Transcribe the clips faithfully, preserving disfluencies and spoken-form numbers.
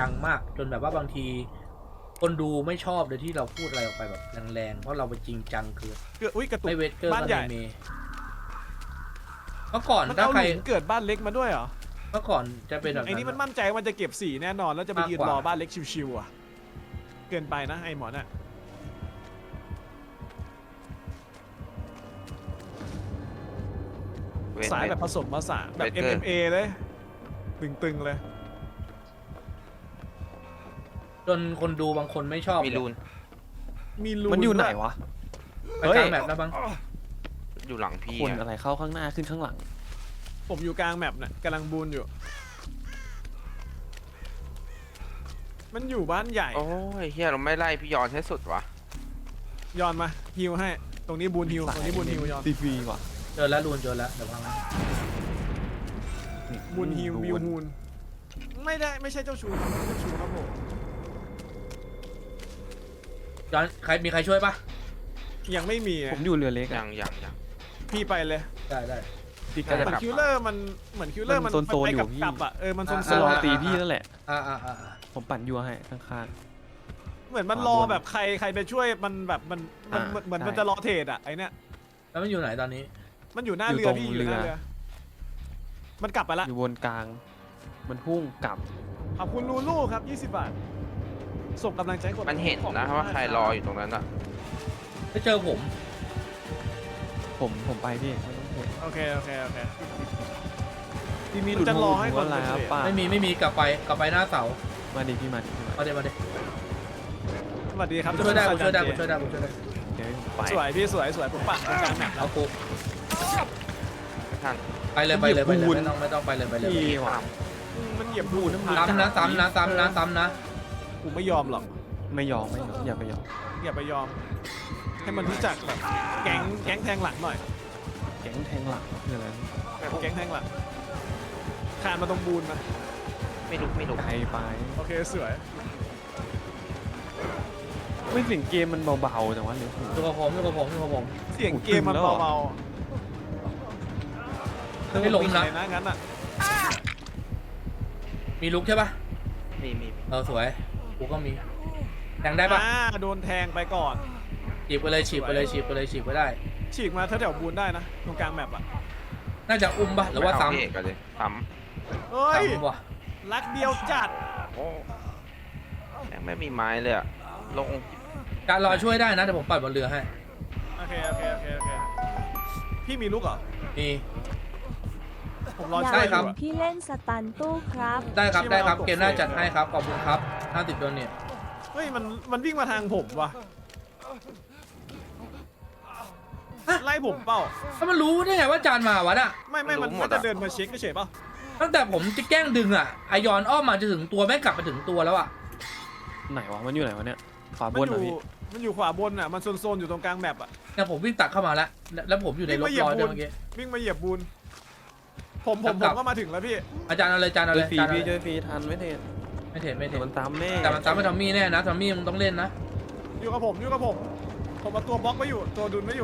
จังมากจนแบบว่าบางทีคนดูไม่ชอบเลยที่เราพูดอะไรออกไปแบบแรงๆเพราะเราไปจริงจังคือเกิดอุ้ยกระตุกไม่เวทเกอร์บ้านก็ใหญ่ในเมเมื่อก่อนมันถ้าเอาใครหลุมเกิดบ้านเล็กมาด้วยเหรอเมื่อก่อนจะเป็นแบบไอ้นี่มันมั่นใจมันจะเก็บสีแน่นอนแล้วจะไปยืนรอบ้านเล็กชิวๆอ่ะเกินไปนะไอ้หมอน่ะสายแบบผสมผสานแบบ เอ็ม เอ็ม เอ เลยตึงๆเลยจนคนดูบางคนไม่ชอบมีรูนมีรูนมันอยู่ไหนวะไปกลางแมปแล้วบ้างอยู่หลังพี่คนอะอะไรเข้าข้างหน้าขึ้นข้างหลังผมอยู่กลางแมปน่ะกำลังบูนอยู่ มันอยู่บ้านใหญ่โอ้ยเฮียเราไม่ไล่พี่ยอนให้สุดวะย้อนมาฮิวให้ตรงนี้บูนฮิวตรงนี้บูนฮิวย้อนฟรีๆว่ะเจอแล้วรูนเจอแล้วเดี๋ยวพังบูนฮิวบิวฮูนไม่ได้ไม่ใช่เจ้าชู้ครับไม่ใช่เจ้าชู้ครับผมย้อนใครมีใครช่วยปะยังไม่มีอะผมอยู่เรือเล็กยัอะงยังยังพี่ไปเลยได้ได้ติดเหกันมือนคิวเลอร์มันเหมือนคิวเลอร์มันมันโซนๆไปอยู่กับพี่กลับอ่ะเออมันโซนโซจะนรออ่าตีพี่นั่นแหละอ่าอ่าอ่าผมปั่นยัวให้ข้างเหมือนมันรอแบบใครใครไปช่วยมันแบบมันมันอ่าเหมือนใช่มันจะรอเทรดอ่ะไอเนี้ยแล้วมันอยู่ไหนตอนนี้มันอยู่หน้าอยู่เรือตรงพี่อยู่หน้าเรือเรือมันกลับไปละๆ อยู่บนกลาง มันพุ่งกลับขอบคุณลูลูครับยี่สิบบาทส่งกำลังใจให้คนมันเห็นนะว่าใครรออยู่ตรงนั้นอะไม่เจอผมผมผมไปพี่ไม่ต้องเห็นโอเคโอเคโอเคพี่มีมันหลุดจะมืรออให้หัวอะไรคนครับเทรดป้าไม่มีไม่มีกลับไปกลับไปหน้าเสามาดิพี่มาดิพี่มามาเดี๋ยวมาเดี๋ยวสวัสดีครับช่วยได้ผมช่วยได้เจผมช่วยได้ผมช่วยได้เดี๋ยวผมไปสวยพี่สวยสวยผมปักตรงกลางแมปแล้เอาวกูไม่ทันไปเลยไปเลยไปเลยไม่ต้องไม่ต้องไปเลยไปเลยพี่ว่ะอืมมันเหยียบบูนซ้ำนะซ้ำนะซ้ำนะซ้ำนะกูไม่ยอมหรอกไม่ยอมไม่ยอมอย่าไปยอมอย่าไปยอม ให้มันรู้จักแบบแก๊งแก๊งแทงหลังหน่อยแก๊งแทงหลังคืออะไรแก๊งแทงหลังคานมาตรงบูนนะไม่ลุกไม่ลุกไกลไปโอเคสวยไม่เสียงเกมมันเบาๆแต่ว่าเร็วอยู่กับผมอยู่กับผมอยู่กับผมเสียงเกมมันเบาไม่หลงๆนะเลยนะงั้นอ่ะมีลุกใช่ปะมีมีเออสวยกูก็มีแทงได้ปะอ่าโดนแทงไปก่อนฉีบไปเลยฉีบไปเลยฉีบไปเลยฉีบไปได้ฉีกมาแถวๆบูนได้นะตรงกลางแมปอ่ะน่าจะอุ้มปะหรือว่าไม่เพี่เอกซ้ำกันเลยซ้เฮ้ยซ้ำว่ะรักเดียวจัดำโอ้แม่งไม่มีไม้เลยอะลงการรอช่วยได้นะแต่ผมปัดบนเรือให้โอเคโอเคโอเคโอเคพี่มีลูกเหรอนี่ผมรออยากช่วยครัเห็บนพี่เล่นสตันตู้ครับได้ครับได้ครับที่มันเอาเกมหน้าตกเฟรมจัดให้ครับขอบคุณครับห้าสิบโดนเนี่ยเฮ้ยมันมันวิ่งมาทางผมว่ะไล่ผมเปล่าถ้ามันรู้ได้ไงว่าจานมาวะน่ะไม่ไม่มันมันจะเดินมาเช็คเฉยๆเปล่าตั้งแต่ผมจะแกล้งดึงอ่ะไอยอนอ้อมมาจะถึงตัวแม่งกลับมาถึงตัวแล้วอ่ะไหนวะมันอยู่ไหนวะเนี่ยขวาบมันนอเหรอยู่ พี่มันอยู่ขวาบนอ่ะมันโซนๆอยู่ตรงกลางแมปอ่ะเนี่ยผมวิ่งตัดเข้ามาแล้วแล้วผมอยู่ในรถลอยด้วยเมื่อกี้วิ่งมาเหยียบบูนผมผมคผรับมก็มาถึงแล้วพี่อาจารย์เอาเลยอาจารย์เอาเจเลอย ฟรีอาจารย์เอาพี่เลเจอย ฟรีทันไม่เทนไม่เห็นไม่แต่เห็นมันซ้ำแน่แต่มันซ้ำไม่ทอมมี่แน่นะทอมมี่มึงต้องเล่นนะอยู่กับผมอยู่กับผมผมเอาตัวบล็อกไว้อยู่ตัวดุลไว้อยู่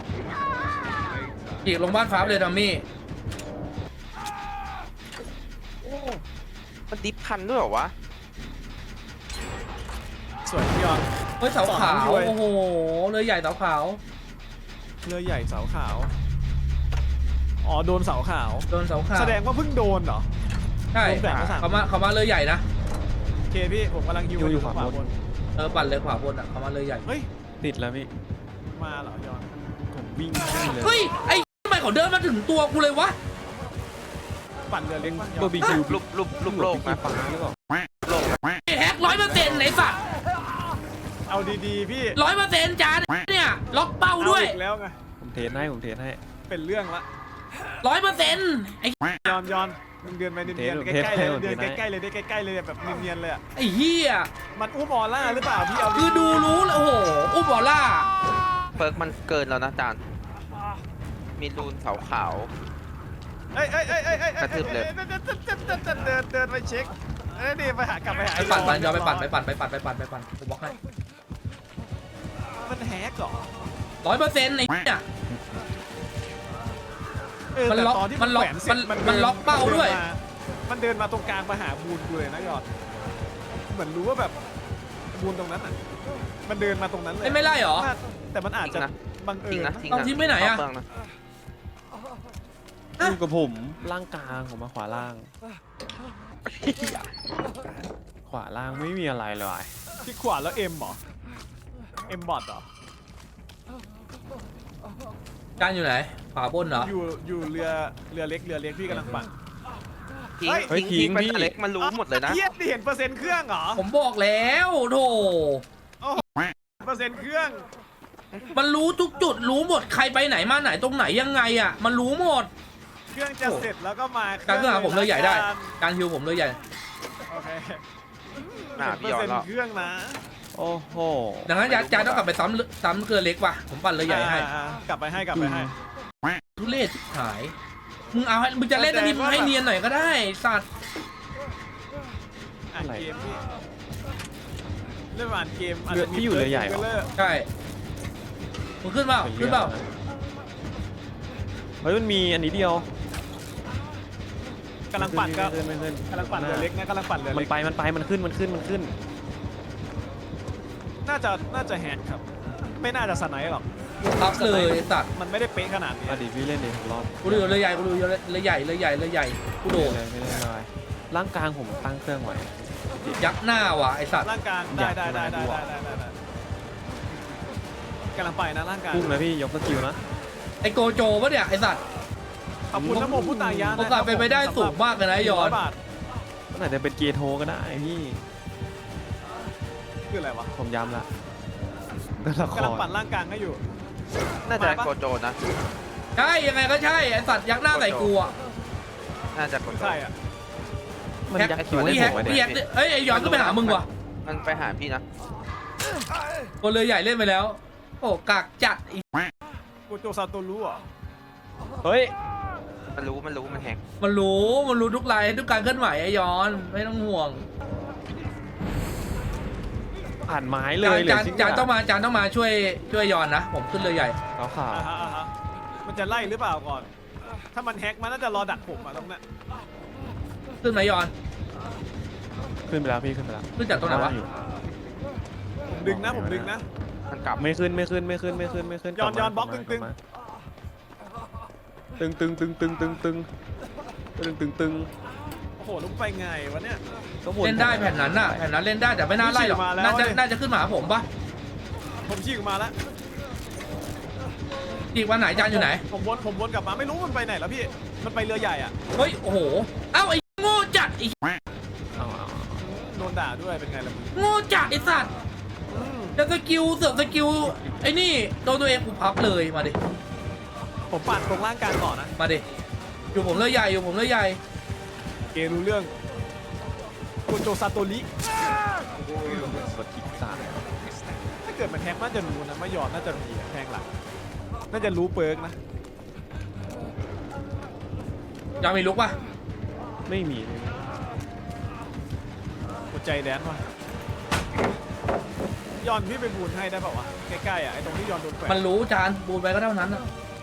อีกลงบ้านฟ้าไปเลยทอมมี่โอ้มันดิฟทันด้วยเหรอวะสวยพี่ยอนเฮ้ยเสาขาวสองด้วยโอ้โหเลยใหญ่เสาขาวเรือใหญ่เสาขาวอ๋อโดนเสาขาวโดนเสาขาวแสดงว่าเพิ่งโดนเหรอใช่โดนแบ่งมาสามเขามาเขามาเลยใหญ่นะโอเคพี่ผมกำลังฮิวอยู่ขวาบนเออปั่นเลยขวาบนอ่ะเขามาเลยใหญ่เฮ้ยติดแล้วพี่มาเหรอยอนผมวิ่งขึ้นเลยเฮ้ยไอ้ทำไมเขาเดินมาถึงตัวกูเลยวะปั่นเรือเล็กปะยโบอนบีคิวรูปรูปรูปโลกนะนะฟ้าหรือเปล่าโลกนะไอ้แฮกร้อยเปอร์เซ็นต์ไหนสัตว์เอาดีๆพี่ร้อยเปอร์เซ็นต์จานเนี่ยล็อกเป้าด้วยเอาอีกแล้วไงผมเทสให้ผมเทสให้เป็นเรื่องละร้อยเปอร์เซ็นต์ไอ้ยอนยอนมึงเดินไปเนียนๆเทใกปล้ๆเลยเทปเดินเทปใกล้ๆเลยได้ใกล้ๆเลยแบบเนียนๆเลยอะไอ้เหี้ยมันอุ้มออร่าหรือเปล่าพี่เอาคือดูรู้เลยโอ้โหอุ้มบอลล่าเปิร์กมันเกินแล้วนะจานมีรูนเสาขาวเอ้ยเอ้ยเอ้ยเอ้ยเอ้ยกระทืบเลยเดินเดินเดินเดินเดินเดินเดินเดินไปเช็คเอ้ยนี่ไปหากลับไปหาไปปั่นปั่นยอมไปปั่นไปปั่นไปปั่นไปปั่นไปปั่นผมบอกให้มันแฮกเหรอร้อยเปอร์เซ็นต์ไอ้เนี่ยเออมันแต่ล็อกตอนที่มันล็อกแขวเสร็จมันดิมันล็อกเป้าด้วยมันเดินมามันเดินมาตรงกลางมาหาบูนกูเลยนะยอดเหมือนรู้ว่าแบบบูนตรงนั้นอ่ะมันเดินมาตรงนั้นเลยเอ้ยไม่ไล่เหรอน่าแต่มันอาจจะทิ้งนะบังเอิทิ้งญนะนะทิ้งเอานะทิ้งไปไหนอะเข้าเปลืงนะอยู่กับผมล่างกลางผมมาขวาล่าง ขวาล่างไม่มีอะไรเลยที่ขวาแล้วเอ็มเหรอเอ็มบอทเหรอจานอยู่ไหนขวาบนเหรออยู่อยู่เรือเรือเล็กเรือเล็กพี่กำลังปั่นทิ้งเฮ้ยทิ้งเฮ้ยทิ้งทิ้งไปพี่เล็กมันรู้หมดเลยนะเทียบดิเห็นเปอร์เซ็นต์เครื่องเหรอผมบอกแล้วโถเปอร์เซ็นต์เครื่องมันรู้ทุกจุดรู้หมดใครไปไหนมาไหนตรงไหนยังไงอ่ะ มันรู้หมดเครื่องจะเสร็จแล้วก็มาการขึ้นหาผมเลยใหญ่ได้ละกันการฮิวผมเลยใหญ่โอเคหน้าเห็นพี่เปอร์ยอเซ็ดนแล้วต์เครื่องนะโอ้โหดังนั้นจานจานต้องกลับไปซ้ำซ้ำเกลือเล็กว่ะผมปั่นเลยใหญ่ให้อ่าอ่ากลับไปให้กลับไปให้ทุเรศชิบหายมึงเอาให้มึงจะเล่นอันนี้มึงให้เนียนหน่อยก็ได้สัตว์อ่านเกมพี่เล่นอ่านเกมอาจเรือจะมีที่อยู่เรือใหญ่เหรอเลิกใช่มึงขึ้นเปล่าขึ้นเปล่าเฮ้ยมันมีอันนี้เดียวกำลังปั่นก็ไม่ขึ้นไม่ขึ้นกำลังปั่นเรือเล็กนะกำลังปั่นเรือมัเล็นกไปมันไปมันขึ้นมันขึ้นมันขึ้นน่าจะน่าจะแฮกครับ ไม่น่าจะสไนป์หรอกรับเลยไอ้สัตว์มันไม่ได้เป๊ะขนาดนี้อดีตพี่เล่นดิผมรอบกูดูเลยใหญ่กูดูเลยใหญ่เลยใหญ่เลยใหญ่กูโดดเลยไม่ได้เลยร่างกลางผมตั้งเครื่องไว้ยักษ์หน้าว่ะไอสัตว์ร่างกลางอได้ยากได้ได้มาได้ดูได้อะได้ได้ได้กำลังไปนะร่างกลางพุ่งนะพี่ยกสกิลนะไอโกโจปะเนี่ยไอสัตว์ขอบคุณน้ำโมพุตายะนะโอกาสเป็นไปได้สูงมากเลยนะไอ้ยอนร้บาทมันอาจจะเป็นเกียร์โทก็ได้พี่คืออะไรวะผมย้ำละตัวละคกำลังรปั่นร่างกลางให้อยู่น่าจะมาปะโกโจนะใช่ยังไงก็ใช่ไอสัตว์ยักษ์หน้าใส่กูอ่ะน่าจะโกโจใช่อ่ะมันยักคิวให้พี่ผแฮมกไว้พี่เนี่แฮยกเอ้ยไอย้อนก็ไปหามึงว่ะมันไปหาพี่นะคนเลยใหญ่เล่นไปแล้วโอ้กากจัดอีกูโจซาโตรู้เหรอเฮ้ยมันรู้มันรู้มันแฮกมันรู้มันรู้ทุกไลน์ทุกการเคลื่อนไหวไอย้อนไม่ต้องห่วงผ่านไม้เลจานยเหลจาย นชิ้นจานต้องมาจานต้องมาช่วยช่วยย้อนนะผมขึ้นเลยใหญ่ขาวขาวอ่าฮะอ่าฮะมันจะไล่หรือเปล่าก่อน ถ้ามันแฮกมันน่าจะรอดักผมอะตรงนั้นขึ้นไหมย้อนขึ้นไปแล้วพี่ขึ้นไปแล้วขึ้นจากตรงไหนวะอยู่ผมดึงนะผมดึงนะมันกลับไม่ขึ้นไม่ขึ้นไม่ขึ้นไม่ขึ้นไม่ขึ้นย้อนลัมาย้อนบล็อกลัมาตึงลัมาตึงตึงตึงตึงตึงตึงตึงตึงตึงโอ้โหลุกไปไงวะเนี่ยก็วนเล่นได้แผ่นนั้นน่ะแผ่นนั้นเล่นได้แต่ไม่น่าไล่หรอกมาแล้วน่าจะดิน่าจะขึ้นมาหาผมปะผมชี้ออกมาแล้วอีกวันไหนจานอยู่ไหนผมวนผมวนกลับมาไม่รู้มันไปไหนแล้วพี่ มันไปเรือใหญ่อ่ะเฮ้ยโอ้โหเอ้าไอ้โง่จัดไอ้เอาเอาเอาโดนด่าด้วยเป็นไงล่ะมึงโง่จัดไอ้สัตว์อืมจะสกิลเสือกสกิลไอ้นี่โดนตัวเองกูพับเลยมาดิผมปั่นตรงร่างกลางก่อนนะมาดิอยู่ผมเลยใหญ่อยู่ผมเลยใหญ่เกรู้เรื่องโกโจซาโตริกดคลิกซ้ายถ้าเกิดมันแฮกน่าจะรู้นะไม่ยอมน่าจะมีอะแทงหลังน่าจะรู้เปิร์กนะยังมีลุกปะไม่มีไม่มีหัวใจแดนว่ะยอนพี่ไปบูนให้ได้เปล่าวะใกล้ๆอ่ะไอ้ตรงที่ยอนโดนแขวนมันรู้จานบูนไปก็เท่านั้นน่ะ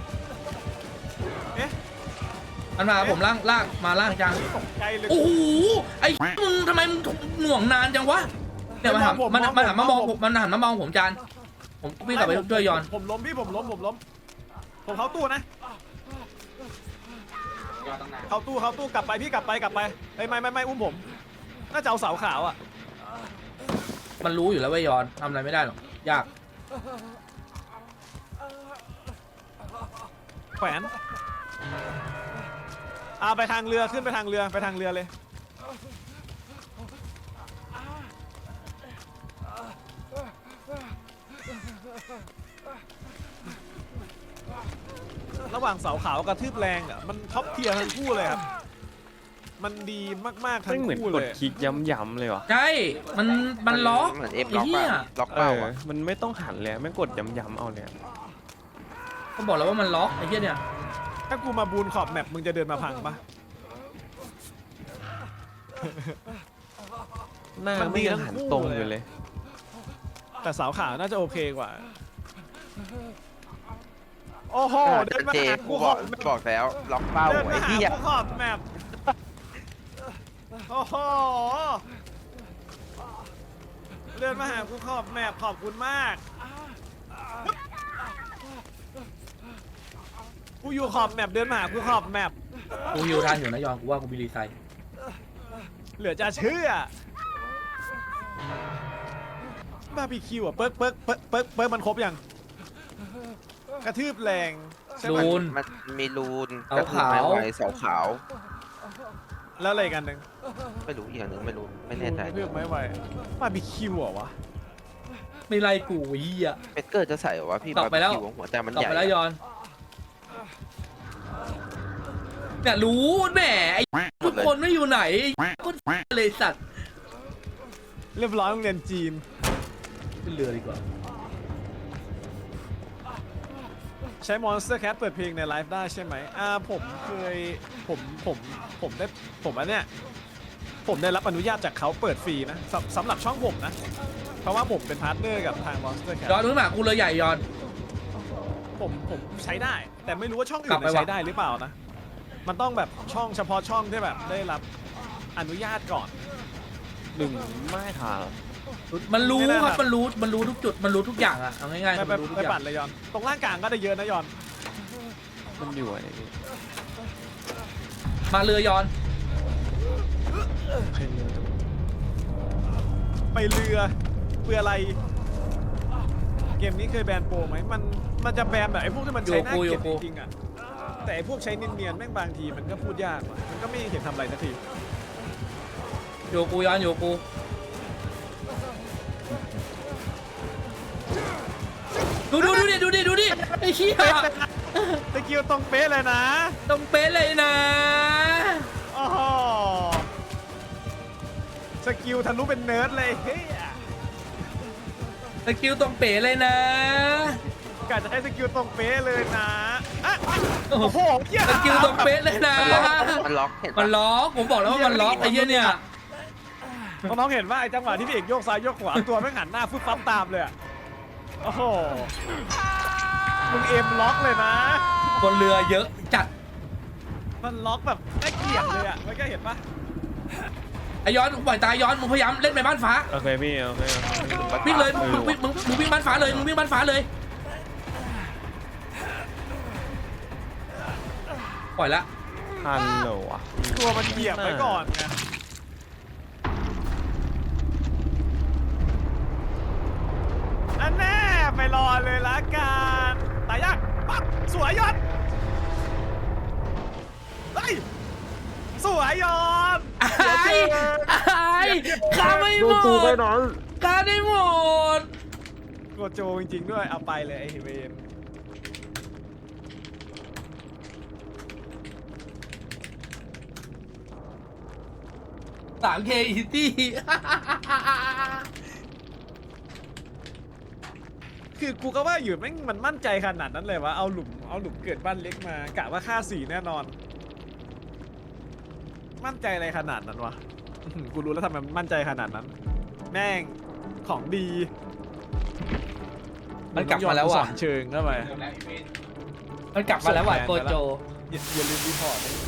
เอ๊ะมันมาผมล่างล่างมาล่างจานตกใจเลยโอ้โหไอ้มึงทำไมมึงหน่วงนานจังวะเนี่ยมันหันผมมันผมมันหันมามองผมผมมันหันมามองผมจานผมวิ่งกลับไปช่วยยอนผมล้มพี่ผมล้มผมล้มผมเข้าตู้นะเข้าตู้เข้าตู้กลับไปพี่กลับไปกลับไปเฮ้ยไม่ไม่ไม่อุ้มผมน่าจะเอาเสาขาวอ่ะมันรู้อยู่แล้วว่ายอนทำอะไรไม่ได้หรอกยากแขวนอ่าไปทางเรือขึ้นไปทางเรือไปทางเรือเลยระหว่างเสาขาวกับทืบแรงอ่ะมันท็อปเทียร์ทั้งคู่เลยครับมันดีมากๆทั้ไม่งเหมือนคู่กเลดยคลิกย้ำๆเลยวะใช่มันมันล็อกเหมือนเอฟไอ้ล็อกเหี้ยอะล็อกเอเป้าออะมันไม่ต้องหันเลยไม่งกดย้ำๆเอาเลยอะก็บอกแล้วว่ามันล็อกไอ้เหี้ยเนี่ยถ้ากูมาบูนขอบแมปมึงจะเดินมาพังปะหน้ามันดีไม่ทั้งหันคู่ตรงเลยอยู่เลยแต่สาวขาวน่าจะโอเคกว่า โอ้โหเดินมาเจหากูกูบขออก บแมปบอกแล้วล็อกเป้าเดินไอ้มาหาเหี้ยกูขอบแมปโอ้โหเดินมาหากูขอบแมปขอบคุณมากกูอยู่ขอบแมปเดินมาหากูขอบแมปกูฮิวทันอยู่นะยอนกูว่ากูมีรีไซน์เหลือจะเชื่อบาร์บีคิวอ่ะเปิ๊กเปิ๊กเปิ๊กเปิ๊กเปิ๊กมันครบยังกระทืบแรงใช่ไหมรูนมันมีรูนเอากระทืบไม้ขาวไว้เสาขาวแล้วอะไรกันหนึ่งไม่รู้อีกอย่างหนึ่งไม่รู้ไม่แน่ใจกระทืบไม่ไหวบาร์บีคิวเหรอวะไม่ไล่กูเฮียเป็ดเกอร์จะใส่เหรอวะพี่กลับไปแล้วบาร์บีคิวหัวใจมันกลับใหญ่ไปแล้วยอนเนี่ยรู้แหมไอ้ทุกคนไม่อยู่ไหนไอ้คนเลยสัตว์เรียบร้อยโรงเรียนจีนขึ้นเรือดีกว่าใช้ Monster Cat เปิดเพลงในไลฟ์ได้ใช่ไหมอ่าผมเคยผมผมผมได้ผมอันเนี้ยผมได้รับอนุญาตจากเขาเปิดฟรีนะสำสำหรับช่องผมนะเพราะว่าผมเป็นพาร์ทเนอร์กับทาง Monster Cat ยอนรู้ไหมกูเรือใหญ่ยอนผมผมใช้ได้ แต่ไม่รู้ว่าช่องกลัอื่บนไปน่ะวะใช้ได้หรือเปล่านะมันต้องแบบช่องเฉพาะช่องที่แบบได้รับอนุญาตก่อนหนึ่งไม่ค่ะมันรู้ไม่ได้คครัรับ บมันรู้มันรู้ทุกจุดมันรู้ทุกอย่างอะเอาง่ายๆไปคือไปมันรู้ทุไปกอย่าปั่งนเลยยอน ตรงล่างกลางก็ได้เยอะนะยอนมันอยู่อะไรพี่มาเรือยอนใครเรือตัวไปเรือเพื่ออะไร เกมนี้เคยแบนโปรไหมมันมันจะแบนแบบไอ้พวกที่มันใช้หน้าโยเก็บโกจริงๆอะแต่ไอ้พวกใช้เนียนๆแม่งบางทีมันก็พูดยากว่ะมันก็ไม่เห็นทำอะไรสักทีโยกูยอนโยกูดูดูดูดิดูดิดูดิไอ้เหี้ยตะกิ้วตรงเป๊ะเลยนะต้องเป๊ะเลยนะโอ้โหสกิลทะลุเป็นเนิร์ดเลยเฮ้ยสกิลต้องเป๊ะเลยนะกะจะให้สกิลตรงเป๊ะเลยนะอ่ะโอ้โอ้โหโหเหี้ยสกิลต้องเป๊ะเลยนะมันล็อกมันล็อกเห็นมัปะนล็อกผมบอกแล้วว่ามันล็อกไอ้เหี้ยเนี่ยน้องๆเห็นว่าไอ้จังหวะที่พี่เอกโยกซ้ายโยกขวาตัวแม่งหันหน้าฟึบปั๊บตามเลยอะโอ้โหมึงเอ็มล็อกเลยนะบนเรือเยอะจัดมันล็อกแบบน่าเกลียดเลยอะเมื่อกี้เห็นปะไอ้ย้อนปล่อยตายย้อนมึงพยายามเล่นไปบ้านฟ้าโอเคพี่โอเคโอเควิ่งเลยมึงมึงมึงมึงวิ่งบ้านฟ้าเลยมึงวิ่งบ้านฟ้าเลยปล่อยละฮัลโหลอ่ะตัวมันเหยียบไว้ก่อนไงอันแน่ไปรอเลยละกันตายยากปั๊บสวยยอดเฮ้ยสวยยอดไอ้ไอ้ข้าไม่หมดข้าได้หมดกดโจจริงๆด้วยเอาไปเลยไอ้เวนสามเคอีตี้คือกูก็ว่าอยู่แม่งมันมั่นใจขนาดนั้นเลยวะเอาหลุมเอาหลุมเกิดบ้านเล็กมากะว่าค่าสี่แน่นอน มั่นใจอะไรขนาดนั้นวะอื้อหือกูรู้แล้วทำไมมันมั่นใจขนาดนั้น แม่งของดีมันกลับมาแล้วสว่ะอนเชิงเข้าไปมันกลับมาแล้วว่ะโกโจอย่าอย่าลืมรีพอร์ต